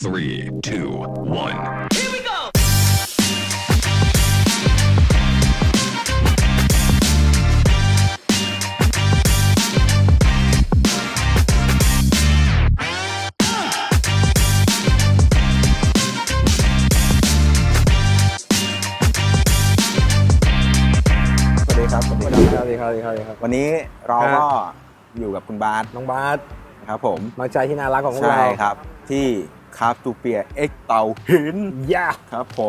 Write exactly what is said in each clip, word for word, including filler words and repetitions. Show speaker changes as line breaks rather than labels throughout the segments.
three, two, one.
Here we go.
สวัสดีครับ สวัสดีครับ
สวัสดีครับสวัสดีครับสวัสดีครับ
วันนี้เรา
ครับ
ก็อยู่กับคุณบาส
น้องบาส
ครับผม
น้องใจที่น่ารักของพวก
ใช่
เรา
ครับ ที่คราฟตูเปียเอ็กเตาหิน
ย่า
ครับผม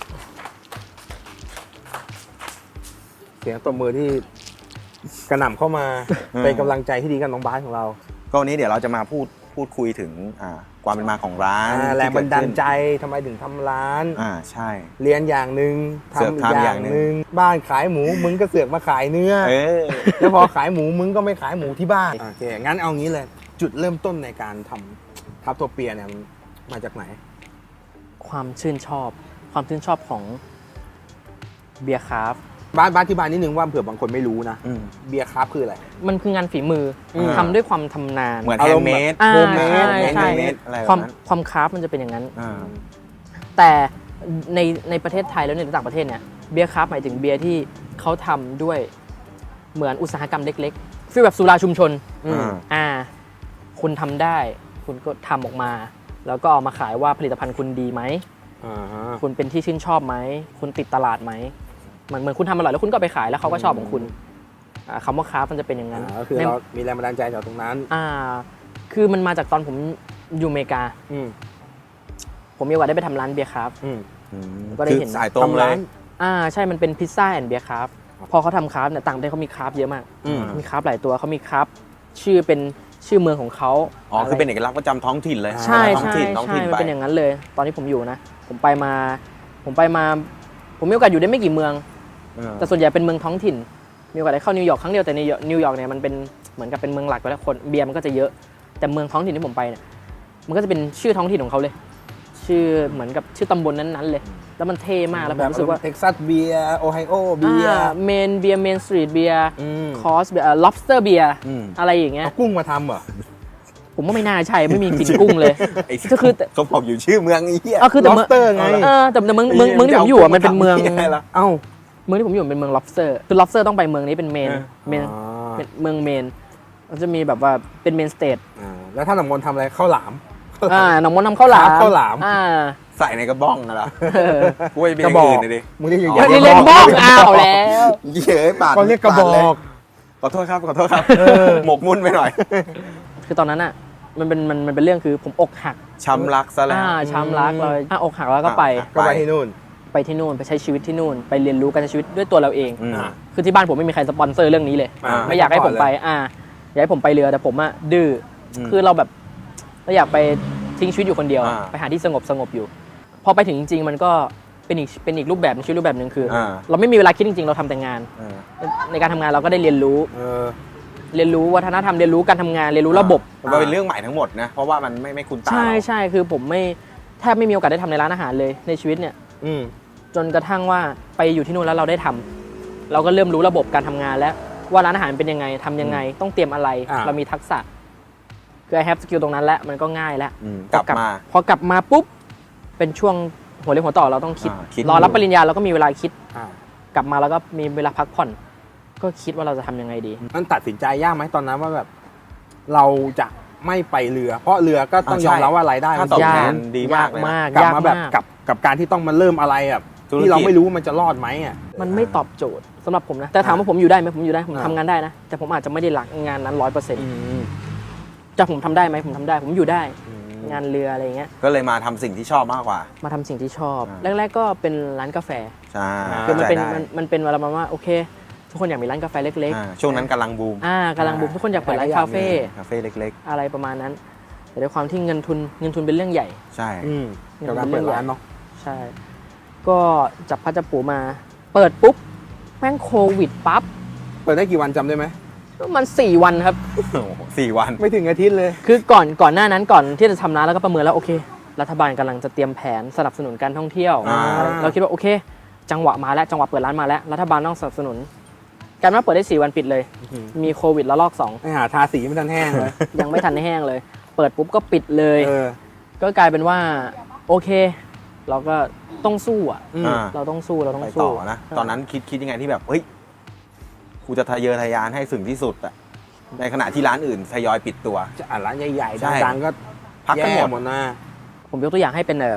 เสียงตบมือที่กระหน่ำเข้ามา เป็นกำลังใจที่ดีกับน้องบาสของเรา
ก็วันนี้เดี๋ยวเราจะมาพูดพูดคุยถึงอ่าความเป็นมาของร้าน
อ่าแรงบันดาลใจ
ที่เกิขึ้น
ทำไมถึงทำร้าน
อ่าใช่
เรียนอย่างหนึ่ง
เสือก
ทำอีก
ทำ
อ
อย่าง
ย่าง
หนึ่ง
หนึ่งบ้านขายหมูมึงก็เสือกมาขายเนื้อ
เออ
แล้วพอขายหมูมึงก็ไม่ขายหมูที่บ้านโอเคงั้นเอางี้เลย จุดเริ่มต้นในการทำทับตัวเปียเนี่ยมันมาจากไหน
ความชื่นชอบ ความชื่นชอบของเบียร์คราฟต์
บ้านบ้านที่บ้านนิดนึงว่าเผื่อบางคนไม่รู้นะ
อืม
เบียร์คราฟต์คืออะไร
มันคืองานฝีมืออ
ม
ทำด้วยความทำนาน
เหมือน
อา
แฮ
ร
น
มณ์
ด์เมด
อ่า
โฮมเมด
ใช่
แฮ
ใช่
นด์เมดอะไรแบ
ความ
บนั้น
ความคราฟต์มันจะเป็นอย่างนั้น
อ่า
แต่ในในประเทศไทยแล้วในต่างประเทศเนี่ยเบียร์คราฟต์หมายถึงเบียร์ที่เขาทำด้วยเหมือนอุตสาหกรรมเล็กๆฟีลแบบสุราชุมชน
อืม
อ่า คุณทำได้ คุณก็ทำออกมา แล้วก็เอามาขายว่าผลิตภัณฑ์คุณดีไหม
อ่าฮะ
คุณเป็นที่ชื่นชอบไหม คุณติดตลาดไหมเหมือนเหมือนคุณทำอร่อยแล้วคุณก็เอาไปขายแล้วเขาก็ชอบของคุณอ่าคำว่าคราฟต์มันจะเป็นอย่างนั้น
อ่าก็คือ
ใน
เรามีแรงบันดาลใจจากตรงนั้น
อ่า คือมันมาจากตอนผมอยู่อเมริกา
อืม
ผมมีโอกาสได้ไปทำร้านเบียร์คราฟต์
อืม
อืม
ก็ได้
คือ
เห็น
สายตรงเล
ทำร้าย น
อ่า ใช่ มันเป็นพิซซ่าแอนด์เบียร์คราฟต์พอเขาทำคราฟต์เนี่ยต่างประเทศเขามีคราฟต์เยอะมาก
อืม
มีคราฟต์หลายตัวเขามีคราฟต์ชื่อเป็นชื่อเมืองของเขา
อ๋อคือเป็นเอกลักษณ์ประจำท้องถิ่นเลย
ใช่
ท้อง
ใช่
ถิ่นท้อง
ใช่
ถิ่น
มัน
ไป
เป็นอย่างนั้นเลย ตอนที่ผมอยู่นะ ผมไปมา ผมไปมา ผมมีโอกาสอยู่ได้ไม่กี่เมือง
เออ
แต่ส่วนใหญ่เป็นเมืองท้องถิ่น มีโอกาสได้เข้านิวยอร์กครั้งเดียวแต่นิวยอร์กนิวยอร์กเนี่ยมันเป็นเหมือนกับเป็นเมืองหลักไปแล้วคนเบียร์มันก็จะเยอะ แต่เมืองท้องถิ่นที่ผมไปเนี่ยมันก็จะเป็นชื่อท้องถิ่นของเขาเลย ชื่อเหมือนกับชื่อตำบลนั้นๆเลย แล้วมันเท่มากแล้วผมรู้สึกว่า
เท็กซัสเบียร์โอไฮโอเบียร์
เมนเบียร์เมนสตรีทเบียร์
อืม
คอสเบียร์ lobster เบียร์
อืม
อะไรอย่างเงี้ย
เอากุ้งมาทำเหรอ
ผมว่าไม่น่าใช่ไม่มีกลิ่นกุ้งเลย
ไอ้
ก็คือแต่
เขาบอกอยู่ชื่อเมืองไอ้เหี้ย
ก็คือแต่เมือง
lobster ไง
เออแต่แต่เมืองเมืองเมืองที่ผมอยู่อะมันเป็นเมือง
จะากุ้าทำหี้ยะไรล่ะ
เอ้า
เมืองที่ผมอยู่เป็นเมือง lobster คือ lobster ต้องไปเมืองนี้เป็นเมน
เออ
เมน
อ๋อ
เป็นเมืองเมนมันจะมีแบบว่าเป็นเมนสเตท
อ่าแล้วถ้าหนังมนต์ทำอะไรข้าวหลาม
อ่าหนองมนต์ทำข้าวหลาม
ข้าวหลาม
อ่า
ใส่ในกระบ้องนะล่ะ
เออ
กล้วยเป็น
ก
อ
ระ
ย่าง
บอก
อื่นเลยดิ
มึงเรียกอย่าง
อ๋อ
นี่เล่นบ้องอ้าวแล้ว
เย้ยปาก
ก็เรียกกระบ
ปาเล
อย ก
ขอโทษครับขอโทษครับหมกมุ่นไปหน่อย
คือตอนนั้นอ่ะมันเป็นมันมันเป็นเรื่องคือผมอกหัก
ช้ำรักซะแล้ว
อ่าช้ำรักเลยอ่ะอกหักแล้วก็ไป
อ่ะ
ก็ไปที่นู่น
ไปที่นู่นไปใช้ชีวิตที่นู่น ไปเรียนรู้การใช้ชีวิตด้วยตัวเราเอง
อืม
อ่า
คือที่บ้านผมไม่มีใครสปอนเซอร์เรื่องนี้เลย
อ่า
ไม่อยากให้ผมไป
ไม่ก่อนเลย
อ่าอยากให้ผมไปเรือแต่ผมอ่ะดื้ออ
ม
คือเราแบบเราอยากไปทิ้งชีวิตอยู่คนเดียว
อ่า
ไปหาที่สงบสงบอยู่ พอไปถึงจริงๆมันก็เป็นอีกเป็นอีกรูปแบบหนึ่งชีวิตรูปแบบหนึ่งคืออา เราไม่มีเวลาคิดจริงๆ เราทำแต่งาน
เออ
ในการทำงานเราก็ได้เรียนรู้
เออ
เรียนรู้วัฒนธรรมเรียนรู้การทำงานเรียนรู้ระบบ
ผมว่าเป็นเรื่องใหม่ทั้งหมดนะ เพราะว่ามันไม่ไม่คุ้นตา
ใช่
เรา
ใช่คือผมไม่แทบไม่มีโอกาสได้ทำในร้านอาหารเลยในชีวิตเนี่ย
อืม
จนกระทั่งว่าไปอยู่ที่นู่นแล้วเราได้ทำเราก็เริ่มรู้ระบบการทำงานแล้วว่าร้านอาหารเป็นยังไงทำยังไงต้องเตรียมอะไร
อ่า
เรามีทักษะคือ I have skill ตรงนั้นแล้วมันก็ง่ายแล้ว
อืมกลับมา
พอกลับมาปุ๊บเป็นช่วงหัวเรียวหัวต่อเราต้องคิด
อ่าคิด
รอรับปริญญาเราก็มีเวลาคิด
อ่าก
ลับมาแล้วก็มีเวลาพักผ่อน ก็คิดว่าเราจะทำยังไงดี
มันตัดสินใจยากไหมตอนนั้นว่าแบบ เราจะไม่ไปเรือ เพราะเรือก็ต้อง
อ่าย
อม
ใช่
รับว่ารายได้
ค่า
มัน
ตอบ
สูง
แท
ยาก
นดีมากเลยนะ
มาก
กลับ
ยาก
มาแบบ
มาก
กับกับการที่ต้องมาเริ่มอะไรแบบ
ธุรกิจ
ที่เราไม่รู้ว่ามันจะรอดไหมอ่ะ
มันไม่ตอบโจทย์สำหรับผมนะแต่ถามว่าผมอยู่ได้ไหมผมอยู่ได้ผม
อ่า
ทำงานได้นะแต่ผมอาจจะไม่ได้รักงานนั้นร้อยเปอร์เซ็นต์จะผมทำได้ไหมผมทำได้ผมอยู่ได้ งานเรืออะไรอย่างเงี้ย
ก็เลยมาทำสิ่งที่ชอบมากกว่า
มาทำสิ่งที่ชอบ
อ่า
แรกๆก็เป็นร้านกาแฟ
ใช่
คือมันเป็น
ข้าใจได้
มันมันเป็นเวลาประมาณว่าโอเค ทุกคนอยากมีร้านกาแฟเล็ก
อ่าช่วงนั้นกำลังบูม
ๆอ่ากำลังบุกทุกคนอยากเปิดร้านคาเฟ่
คาเฟ่เล็ก
อะไรประมาณนั้น แต่ด้วยความที่เงินทุนเงินทุนเป็นเรื่องใหญ่
ๆ ใช่
อืมกับการเปิดร้านเนาะ
ใช่ ก็จับพัดจับปูมา เปิดปุ๊บแม่งโควิดปั๊บ
เปิดได้กี่วันจำได้ไหม
มันสี่วันครับ
โอ้โหสี่วัน
ไม่ถึงอาทิตย์เลย
คือก่อนก่อนหน้านั้นก่อนที่จะทำร้านแล้วก็ประเมินแล้วโอเค รัฐบาลกำลังจะเตรียมแผนสนับสนุนการท่องเที่ยว
อ่า
อะไรเราคิดว่าโอเค จังหวะมาแล้วจังหวะเปิดร้านมาแล้วรัฐบาลต้องสนับสนุน การมาเปิดได้สี่วันปิดเลย มีโควิดแล้วลอกสอง
ไอหาทาสีไม่ทันแห้งเลย
ยังไม่ทันได้แห้งเลย เปิดปุ๊บก็ปิดเลย
เออ
ก็กลายเป็นว่าโอเค เราก็ต้องสู้อ่ะ
อืม
อ่า
เราต้องสู้เราต้อง
ไป
สู้
ต่อนะ ตอนนั้นคิดคิดยังไงที่แบบเฮ้ยกูจะทะเยอทะยานให้ถึงที่สุดอะในขณะที่ร้านอื่นทยอยปิดตัว
จะอ่านร้านใหญ่
ใช่
ๆดังๆก็
พักกันหมด
แย่หมดนะ
ผมยกตัวอย่างให้เป็นเอ่อ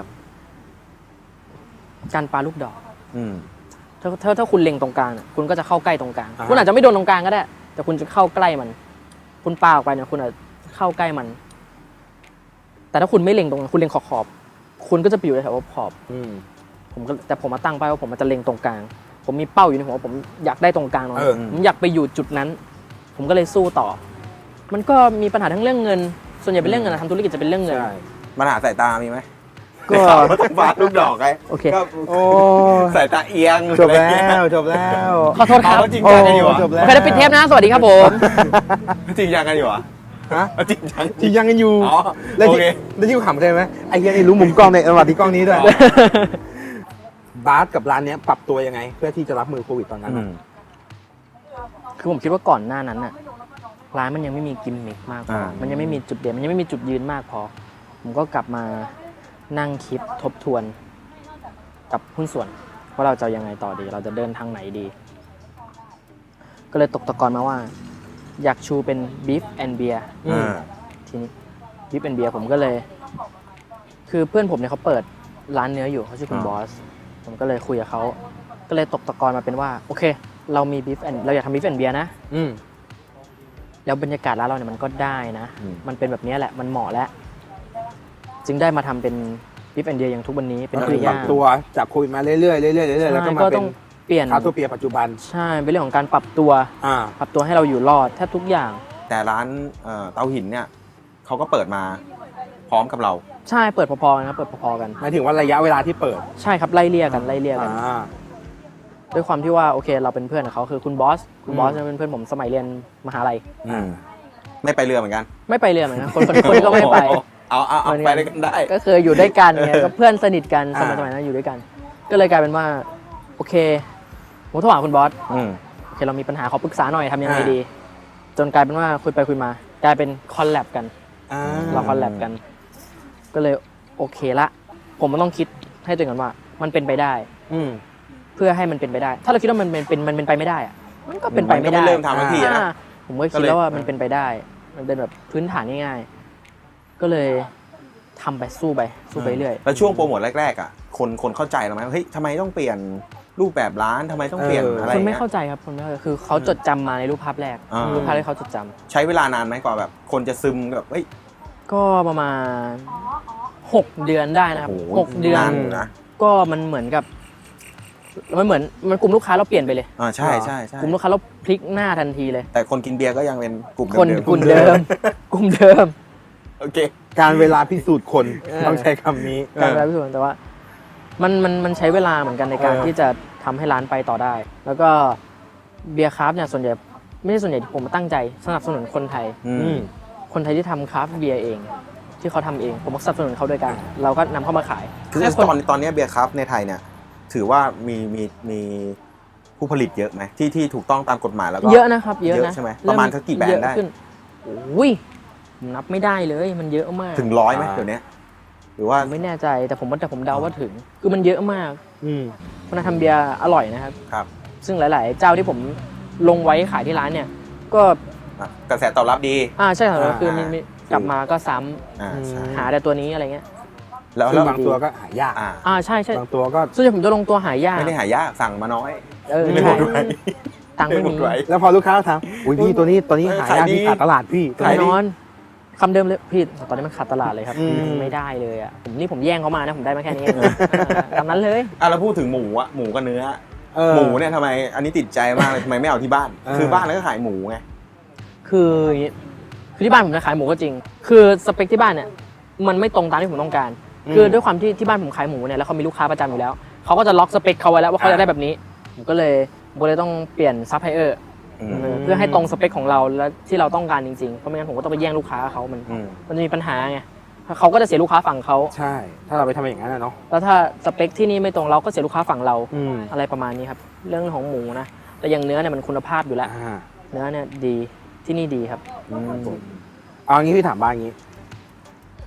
การปาลูกดอก
อืม
ถ้าถ้าถ้าคุณเล็งตรงกลางน่ะคุณก็จะเข้าใกล้ตรงกลาง
อ่าฮะ
คุณอาจจะไม่โดนตรงกลางก็ได้ แต่คุณจะเข้าใกล้มัน คุณปาออกไปเนี่ยคุณอาจจะเข้าใกล้มัน แต่ถ้าคุณไม่เล็งตรงนั้นคุณเล็งขอบขอบๆคุณก็จะไปอยู่แถวขอบ
อืม
ผมก็แต่ผมมาตั้งเป้าว่าผมจะเล็งตรงกลาง ผมมีเป้าอยู่ในหัวผมอยากได้ตรงกลางตรง
เอ
นั้
อ
นผมอยากไปอยู่จุดนั้น ผมก็เลยสู้ต่อ มันก็มีปัญหาทั้งเรื่องเงิน ส่วนใหญ่เป็นเรื่องเงินนะทำธุรกิจจะเป็นเรื่องเงิน
ใช่
ปัญหาสายตามีไหม
ก็
ก็ต้องฟาดลูกดอกไง
โอเค
ก็
โอ้
สายตาเอียง
จบแล้วจบแล้ว
ขอโทษครับ
เขาจริงจังกันอยู่เหรอ
จบแล้
โอ
ว
เคแล้วปิดเทปนะ สวัสดีครับผม
จริงจังกันอยู่เหรอ
ฮะ
เอาจริงจัง
จริงยังกันอยู่
อ๋อ
แล้ว
โอ
ที่
เค
แล้วที่กูขำใช่ไหมไอ้เหี้ยนี่รู้มุมกล้องในระหว่างที่กล้องนี้ด้วยบาสกับร้านเนี้ยปรับตัวยังไง เพื่อที่จะรับมือโควิดตอนนั้น
อื
อะ
ม
คือผมคิดว่าก่อนหน้านั้นน่ะร้านมันยังไม่มีกิมมิคมากพอ
อ่า
มันยังไม่มีจุดเด่นมันยังไม่มีจุดยืนมากพอ ผมก็กลับมานั่งคิดทบทวนกับหุ้นส่วนว่าเราจะเอายังไงต่อดี เราจะเดินทางไหนดี ก็เลยตกตะกอนมาว่า อยากชูเป็น beef and beer
อ่า
ทีนี้ beef and beer ผมก็เลย คือเพื่อนผมเนี่ยเขาเปิดร้านเนื้ออยู่เขาชื่อคุณ
อ่า
บอส ผมก็เลยคุยกับเขาก็เลยตกตะกอนมาเป็นว่า โอเค เรามี beef and เราอยากทำ beef and beer นะ
อืม
แล้วบรรยากาศร้านเราเนี่ยมันก็ได้นะ
อืม
มันเป็นแบบนี้แหละ มันเหมาะแล้ว จึงได้มาทำเป็นบิฟแอนเดียอย่างทุกวันนี้ เป็น
ก็
ป
คื
ริ
อป
ย่า
รับ
ง
ตัวจากโควิดมาเรื่อยๆเรื่อยๆเรื่อยๆแล้วก็มา
ก็
เป็
ต้อน งเปลี่ยน
คาโตเปียปัจจุบัน
ใช่ เป็นเรื่องของการปรับตัว
อ่า
ปรับตัวให้เราอยู่รอดแทบทุกอย่าง
แต่ร้านเอ่อเตาหินเนี่ยเขาก็เปิดมาพร้อมกับเรา
ใช่ เปิดพอๆกันครับ เปิดพอๆกัน
หมายถึงว่าระยะเวลาที่เปิด
ใช่ครับ ไล่เลี่ยกัน ไล่เลี่ยกัน
อ่า
ด้วยความที่ว่าโอเค เราเป็นเพื่อนกับเขาคือคุณบอส คุณบอส
อืม
เนี่ยเป็นเพื่อนผมสมัยเรียนมหาลัย
อืมไม่ไปเรือเหมือนกัน
ไม่ไปเรียนเหมือนกันคนคนคนก็ไม่ไป
เอาเอาเอา
เหมือน
ไป
กัน
ด้วยกันได้
ก็เคยอยู่ด้วยกันไง
เออ
ก็เพื่อนสนิทกันสมัย
อ่า
สมัยนั้นอยู่ด้วยกัน ก็เลยกลายเป็นว่า โอเคผมโทรหาคุณบอส
อืม
โอเคเรามีปัญหาขอปรึกษาหน่อยทำยังไง
อ่า
ดี จนกลายเป็นว่าคุยไปคุยมา กลายเป็นคอลแลบกัน
อ่า
เราคอลแลบกัน ก็เลยโอเคละ ผมมันต้องคิดให้ตัวเองก่อนว่า มันเป็นไปได้
อืม
เพื่อให้มันเป็นไปได้ ถ้าเราคิดว่ามันเป็นเป็นมันเป็นไปไม่ได้อะมันก็เป็นไปไม่ได้
มันก็ไม่เริ่มทำทันทีอะนะ
อ่าผมก็
ก็
คิด
เลย
แล้วว่ามันเป็นไปได้ มันเป็นแบบพื้นฐานง่ายๆ ก็เลยทำไปสู้ไปสู้ไปเรื่อย
แล้วช่วงโปรโมทแรกๆอ่ะคนคนเข้าใจเราไหมว่าเฮ้ยทำไมต้องเปลี่ยนรูปแบบร้านทำไมต้องเปลี่ยน
เอออ
อะไร
คนไม่
เงี้ย
เข้าใจครับคนไม่เข้าใจคือเขาจดจำมาในรูปภาพแรก
อ่า
รูปภาพที่เขาจดจำ
ใช้เวลานานไหมกว่าแบบ คนจะซึมแบบเฮ้ย
ก็ประมาณหกเดือนได้นะครับ
โอ้โห
หกเดือน
านอยู่นะ
ก็มันเหมือนกับ มันเหมือนมันกลุ่มลูกค้าเราเปลี่ยนไปเลย
อ่าใช่ใช่ใช่
กลุ่มลูกค้าเราพลิกหน้าทันทีเลย
แต่คนกินเบียร์ก็ยังเป็นกลุ่ม
คน
เดิมๆ
กลุ่มเดิม กลุ่มเดิม
โอเค
การเวลาพิสูจน์คน
เออ
ต้องใช้คำนี้
การรับผิดชอบแต่ว่า มันมันมันใช้เวลาเหมือนกันในการ
เออ
ที่จะทำให้ร้านไปต่อได้ แล้วก็เบียร์คราฟต์เนี่ยส่วนใหญ่ไม่ใช่ส่วนใหญ่ที่ผมตั้งใจสนับสนุนคนไทย
อื
อื
ม
ม
คนไทยที่ทำคราฟต์เบียร์เอง ที่เขาทำเอง ผมก็สนับสนุนเขาด้วยกัน เราก็นำเข้ามาขาย
คือ
แค่
ตอนตอนนี้เบียร์ครับในไทยเนี่ย ถือว่ามีมีมีผู้ผลิตเยอะไหมที่ที่ถูกต้องตามกฎหมายแล้วก็
เยอะนะครับ เยอะ
เย
นะ
อะใช่ไหมประมาณสักกี่แบรนด์ได้
เยอะขึ้อุ้ยผมนับไม่ได้เลยมันเยอะมาก
ถึงร้อยไหม
อ่า
เดี๋ยวนี้หรือว่า
ผมไม่แน่ใจแต่ผมว่าแต่ผมเดาว่าถึง คือมันเยอะมาก
อืม
คนทำเบียร์อร่อยนะครับ
ครับ
ซึ่งหลาย ๆ เจ้าที่ผมลงไว้ขายที่ร้านเนี่ย ก็
อ่ะกระแสตอบรับดี
อ่าใช่ครับ
อ่า
คือมีมีกลับมาก็ซ้ำ
อ่าใช่
หาแต่ตัวนี้อะไรเงี้ย
แล้ว
ซึ่
แล้
ง
ว
บางตัวก็หายาก
อ่า
อ่าใช่ใช่
บางตัวก็
ส่วนใหญ่ผมจะลงตัวหายาก
ไม่ได้หายากสั่งมาน้อย
เออ
ไม่หม
ใช่
ดไว้
ตังค์ไม่มี
หดไว้
แล้วพอลูกค้าถามอุ้ยพี่ตัวนี้ตัวนี้
เออ
หายาก
ขายดี
พี่ขาดตลาดพี่
ขาย
แน่
ดี
นอนคำเดิมเลยพี่ตอนนี้มันขาดตลาดเลยครับ
อืม
ไม่ได้เลยอ่ะผมนี่ผมแย่งเขามานะผมได้มาแค่นี้เองตามนั้นเลย
อ่ะเราพูดถึงหมูอะหมูกับเนื้อ
เออ
หมูเนี่ยทำไมอันนี้ติดใจมากเลยทำไมไม่เอาที่บ้าน
เออ
คือบ้านแล้วก็ขายหมูไง
คืออย่างงี้คือที่บ้านผมจะขายหมูก็จริง คือสเปคที่บ้านเนี่ยมันไม่ตรงตามที่ผมต้องการ คือด้วยความที่ที่บ้านผมขายหมูเนี่ยแล้วเขามีลูกค้าประจำอยู่แล้วเขาก็จะล็อกสเปคเขาไว้แล้วว่าเขาจะได้แบบนี้ผมก็เลยผมก็เลยต้องเปลี่ยนซัพพลายเออร์
อืม
เพื่อให้ตรงสเปคของเราและที่เราต้องการจริงๆเพราะไม่งั้นผมก็ต้องไปแย่งลูกค้าเขามัน
อืม
มันจะมีปัญหาไงเขาก็จะเสียลูกค้าฝั่งเขา
ใช่ ถ้าเราไปทำอย่างนั้นนะเนาะ
แล้วถ้าสเปคที่นี่ไม่ตรงเราก็เสียลูกค้าฝั่งเรา
อืม
อะไรประมาณนี้ครับเรื่องของหมูนะแต่อย่างเนื้อเนี่ยมันคุณภาพอยู่แล้ว
อ่า
เนื้อเนี่ยดีที่นี่ดีครับ
ครับผมเอางี้พี่ถามบ้างงี้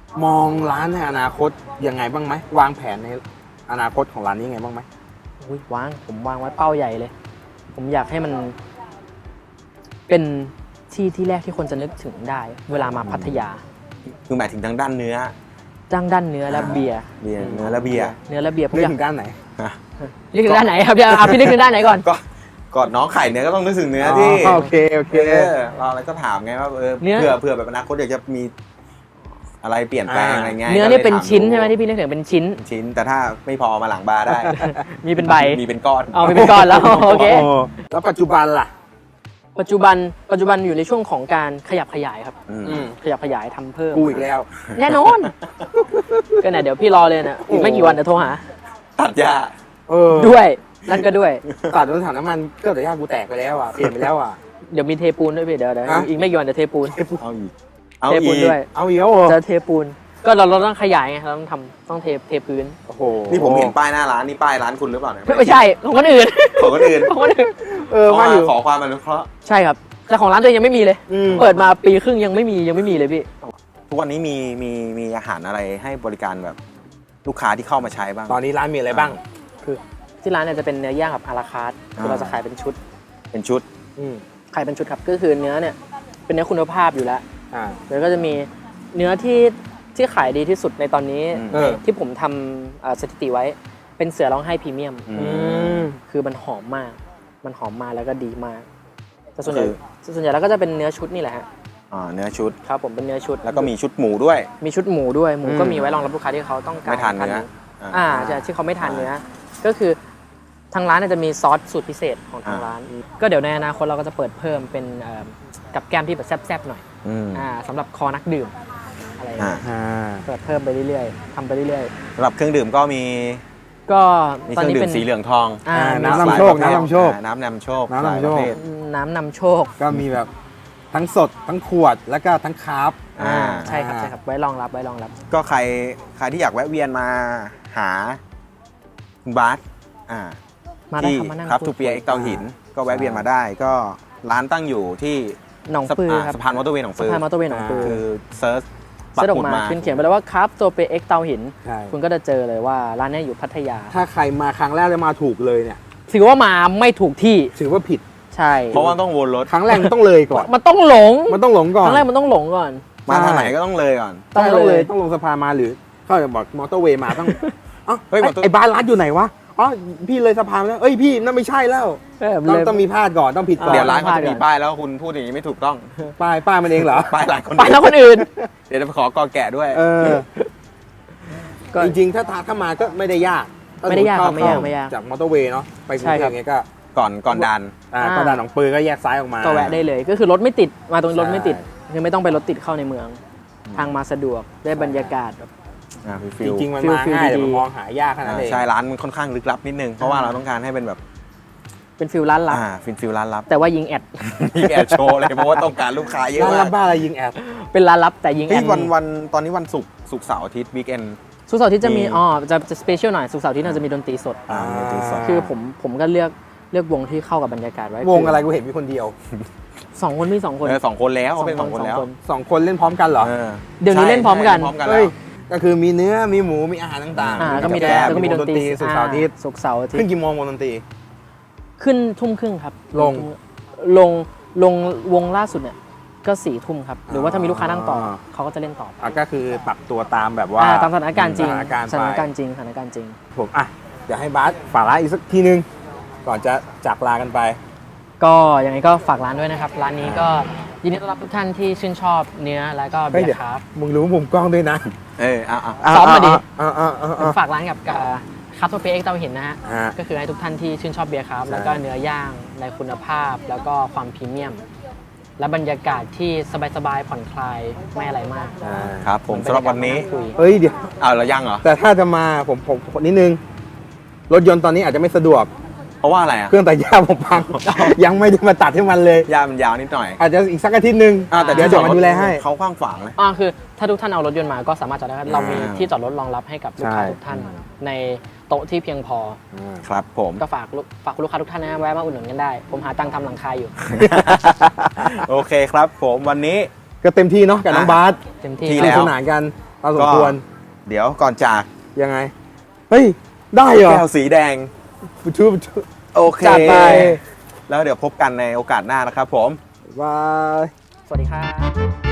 มองร้านในอนาคตยังไงบ้างไหมวางแผนในอนาคตของร้านนี้ยังไงบ้างไหม
อุ๊ยวางผมวางไว้เป้าใหญ่เลย ผมอยากให้มัน เป็นที่ที่แรกที่คนจะนึกถึงได้ เวลามาพัทยา
คือหมายถึงทางด้านเนื้อ
จ้างด้านเนื้อและเบียร์
เบียร์เนื้อและเบียร์
เนื้อและเบียร์ผม
นึก
อยาก
ถึงด้านไหน
นึกถึงด้านไหนครับเดี๋ยวเอาพี่นึกถึงด้านไหนก่อน
ก็ก่อนน้องไข่เนื้อก็ต้องนึกถึงเนื้อที่
อ๋อโอเคโอเค
เออเราอะไรก็ถามไงว่าเออ
เนื้อ
เผื่อเผื่อแบบอนาคตอยากจะมีอะไรเปลี่ยนแปลง
อ่า
อะไรเงี้ย
เนื้อ
ก็ล
นี่
ย
เป็น
ถา
ชิ้นใช่ไหม
ดู
ที่พี่นึกถึงเป็นชิ้น
ชิ้น แต่ถ้าไม่พอมาหลังบาร์ได้
มีเป็นใบ
มีเป็นก้อน
เอามีเป็นก้อนแล้ว โอเค
โอ้แล้วปัจจุบันล่ะ
ปัจจุบันปัจจุบันอยู่ในช่วงของการขยับขยายครับ
อืม
อืม
ขยับขยายทำเพิ่ม
กูอีกแล้ว
แน่นอน ก็เนี่ยเดี๋ยวพี่รอเลยนะอีกไม่กี่วันเดี๋ยวโทรหา
ตัดหญ้า
เออ
ด้วยนั่นก็ด้วย
ตัดรถถังน้ำมันเครื่องตัดหญ้ากูแตกไปแล้วอ่ะเปลี่ยนไปแล้วอ่ะ
เดี๋ยวมีเทปูนด้วยพี่เดี๋ยวเดี๋ยว
ฮะ
อีกไม่กี่วันเดี๋ยวเทปูน
เอาอีกเอา
เทปู
อี
น
ก
ด้วย
เอาอีกแล้วเหรอ
จะเทปูน ก็เราเราต้องขยายไงเราต้องทำต้องเทเทพื้น
โอ้โห
นี่ผมเห็นป้ายหน้าร้านนี่ป้ายร้านคุณหรือเปล่าเนี่ย
ไม่ใช่ของคนอื่น
ของคนอื่น
ของคนอื่น
เออว่าอยู่
ขอความอนุเคราะห์
ใช่ครับแต่ของร้านตัวเองยังไม่มีเลย
อืม
เปิดมาปีครึ่งยังไม่มียังไม่มีเลยพี่
ทุกวันนี้มีมีมีอาหารอะไรให้บริการแบบลูกค้าที่เข้ามาใช้บ้าง
ตอนนี้ร้านมีอะไรบ้าง
คือที่ร้านเนี่ยจะเป็นเนื้อย่างแบบอาราคาร์ทคือเราจะขายเป็นชุด
เป็นชุด
อืม
ขายเป็นชุดครับก็คือเนื้อเนี่ยเป็นเนื้อคุณภาพอยู่แล้ว
อ่า
แล้วก็จะมีเนื้อที่ที่ขายดีที่สุดในตอนนี้
อืม
เออ
ที่ผมทำเอ่อสถิติไว้เป็นเสือร้องไห้พรีเมียม
อื
อืม
คือมันหอมมาก มันหอมมากแล้วก็ดีมากแต่ส่วนใหญ่
คือ
ส่วนใหญ่แล้วก็จะเป็นเนื้อชุดนี่แหละฮะ
อ่าเนื้อชุด
ครับผมเป็นเนื้อชุด
แล้วก็มีชุดหมูด้วย
มีชุดหมูด้วยหมู
อืม
ก็มีไว้รองรับลูกค้าที่เขาต้องการ
ไม่ทานเนื้อ
อ่าใช่ที่เขาไม่ทานเนื้อ ก็คือทางร้านเนี่ยจะมีซอสสูตรพิเศษของทางร้าน ก็เดี๋ยวในอนาคตเราก็จะเปิดเพิ่มเป็นเอ่อกับแก้มที่แบบแซ่บๆหน่อย
อืม
อ่าสำหรับคอนักดื่มอะไรอย่าง
อ่า
เงี้ย
อ่า
เปิดเพิ่มไปเรื่อยๆทำไปเรื่อย
สำหรับเครื่องดื่มก็มี
ๆ ก็
มี
ต
เค
อน
รื่อง
นี้
ดื่
เป็
ม
น
สีเหลืองทอง
อ่า
น้ำ
มี
นำโชคน้ำนำโชค
อ่าน้ำนำโชค
น้ำนำโชค
หลายประเภท
น้ำนำโชค
ก็มีแบบทั้งสดทั้งขวดแล้วก็ทั้งคาร์บ
อ่า
ใช่ครับใช่ครับไว้รองรับไว้รองรับ
ก็ใครใครที่อยากแวะเวียนมาหาคุณบาสอ่า
มาได้
ที่
ครับมานั่ง
ครับ
พูด
ทูเปียเอ็กเตาหิน ก็แวะเวียนมาได้ ก็ร้านตั้งอยู่ที่
หนองปือครับ
สะพานมอเตอร์เวย์หนอง
สะ
ปือ
พานมอเตอร์เวย์หนองปือ
คือเซิร์ชปัก
เสะดอ
หมุ
ก
ด
มา
มา
ขึ้นเขียนไปแล้วว่าครับตัวเปเอ็กเตาหิน
ใช่
คุณก็จะเจอเลยว่าร้านเนี้ยอยู่พัทยา
ถ้าใครมาครั้งแรกแล้วมาถูกเลยเนี่ย
ถือว่ามาไม่ถูกที่
ถือว่าผิด
ใช่
เพราะว่าต้องวนรถ
ครั้งแรกมันต้องเลยก่อน
มันต้องหลง
มันต้องหลงก่อน
ครั้งแรกมันต้องหลงก่อน
มาทางไหนก็ต้องเลยก่อน
ต้อง
ต้อง
เลย
เลย
ต้องลงสะพานมาหรือเขาจะบอกมอเตอร์เวย์มาต้องเอ้า
เฮ้ย
ไอ้
มอเตอร์
ไอ้บ้านร้านอยู่ไหนวะอ๋อพี่เลยสะพานมาแล้วเอ้ยพี่นั่นไม่ใช่แล้ว
เออ
ต้อง
เลย
ต้องมีพลาดก่อนต้องผิดก่อน
เดี๋ยวร้านเขาจะ
ก่
มี
อน
ป้ายแล้วคุณพูดอย่างนี้ไม่ถูกต้อง
ป้ายป้ายมันเองเหรอ
ป้ายร้านคน
ไปแล้วคนอื่น
เดี๋ยวจะไปขอกอแกะด้วย
เออ
ก็
จริงๆ ถ้าทางเข้ามาก็ไม่ได้ยาก
ไม่ได้ยากครับ
เข้
ไม่ยากไม่ยาก
จากมอเตอร์เวย์เนาะไปกรุง
ใช่
เท
ครั
พ
บ
เงี้ยก็
ก่อนก่อนดัน
อ่า
อ่า
ก็ด่านหนองปือก็แยกซ้ายออกมา
ก็แวะได้เลย ก็คือรถไม่ติดมาตรงนี้รถไม่ติด
ใช่
คือไม่ต้องไปรถติดเข้าในเมือง ทางมาสะดวกได้บรรยากาศแบบ
อ่ามีฟิ
จ
ล
ริงๆ มัน
ฟิล
มา
ฟิล
ง่ายแต่
ดีๆ
มันมองหายากขนาด
อ่า
นั้นเอง
ใช่ร้านมันค่อนข้างลึกลับนิดนึง เพราะว่าเราต้องการให้เป็นแบบ
เป็นฟิลร้านลับ
อ่าฟิลฟิลร้านลับ
แต่ว่ายิงแอด
มีแอดโชว์เลยเพราะว่าต้องการลูกค้าเยอะ
ร้าน
มา
รั
ก
บบ้าอะไรยิงแอด
เป็นร้านลับแต่ยิงแอ
เฮ้ย
ด
วันวันตอนนี้วันศุกร์ศุกร์เสาร์อาทิตย์วีคเอน
สุกร์เสาร์อาที่จะมี
มี
อ๋อจะจะสเปเชียลหน่อยสุกร์เสาร์อาที่เราจะมีดนตรีสด
อ่ามีตีสอง
คือผมผมก็เลือกเลือกวงที่เข้ากับบรรยากาศไว้
วงอะไรกูเห็นมีคนเดียว
สองคนมีสองคน
เออสองคนแล้วเขาเป็นสองคนแล้ว
สองคนเล่นพร้อมกันเหรอ
ออ
เดี๋ยวนี้เล่นพร้อมกัน
ใช่พร้อมกันแล้
เฮ้ยว ก็คือมีเนื้อมีหมูมีอาหารต่าง
อ่า
ๆ
ก็มี
แก้
แดน
ม
แล้วก็มีดนตรี
สุกร์เสาร์อาทิตย์
อ่ศุกร์เสาร์อาทิต
ขึ้น
ย์
กี่โมงวงดนตรี
ขึ้นทุ่มครึ่งครับ
ลง
ลงลงวงล่าสุดเนี่ยก็สี่ทุ่มครับ หรือว่าถ้ามีลูกค้านั่งต่อเขาก็จะเล่นต่อ
อ่ะก็คือปรับตัวตามแบบว่า
อ่าตามสถานการณ์จริง
สถานการณ์
สถาน
ไป
การณ์จริงสถานการณ์จริง
ผมอ่ะเดี๋ยวให้บาสฝากร้านอีกสักทีนึง ก่อนจะจากลากันไป
ก็ยังไงก็ฝากร้านด้วยนะครับ ร้านนี้ก็ยินดีต้อนรับทุกท่านที่ชื่นชอบเนื้อแล้วก็
เฮ้
เบี
ย
ย
เดี๋ยว
ร์ครับ
มึงรู้มุมกล้องด้วยนะ
เออเอาเอา
ซ้อมมาดิ
อ่าอ่าอ่าอ่า
ฝากร้านกับคาโตเปเอ็กเตาหินนะฮะ
อ่า
ก็คือให้ทุกท่านที่ชื่นชอบเบียร์ครับ
ใช่
แล้วก็เนื้อย่างในคุณภาพแล้วก็ความพรีเมียม และบรรยากาศที่สบายๆผ่อนคลายไม่อะไรมาก
อ่า
ครับผมสำหรับวันนี้
คุย
เฮ้ยเดี๋ยว
เอาเรายังเหรอ
แต่ถ้าจะมาผมผมผมนิดนึง รถยนต์ตอนนี้อาจจะไม่สะดวก
เพราะว่าอะไรอ่ะ
เครื่องตัดหญ้าผมพัง ยังไม่ได้มาตัดให้มันเลย
ยามันยาวนิดหน่อย
อาจจะอีกสักอาทิตย์หนึ่ง
อ่าแต่
เดี๋ยว
ที่
เดี๋ยวมาดูแลให้
เขากว้างฝางเลย
อ่าคือถ้าทุกท่านเอารถยนต์มาก็สามารถจอดได้ครับเรามี
อ่า
ที่จอดรถรองรับให้กับลูกค้า
ใช่
ทุกท่าน ในโต๊ะที่เพียงพอ
ครับผม
ก็ฝากลูกฝากคุณลูกค้าทุกท่านนะแวะมาอุดหนุนกันได้ ผมหาตังค์ทำหลังคาอยู่
โอเคครับผมวันนี้
ก็เต็มที่เนาะกับน้อง
อ่ะ
บาส
เต็มที่
ที่
ส
แล้
นุก
ว
สนานกันตามสมควร
เดี๋ยวก่อนจาก
ยังไง เฮ้ย ได้เหรอ
แก้วสีแดง
บุทูบุทู
โอเค
จัดไป
แล้วเดี๋ยวพบกันในโอกาสหน้านะครับผม
บาย
สวัสดีครับ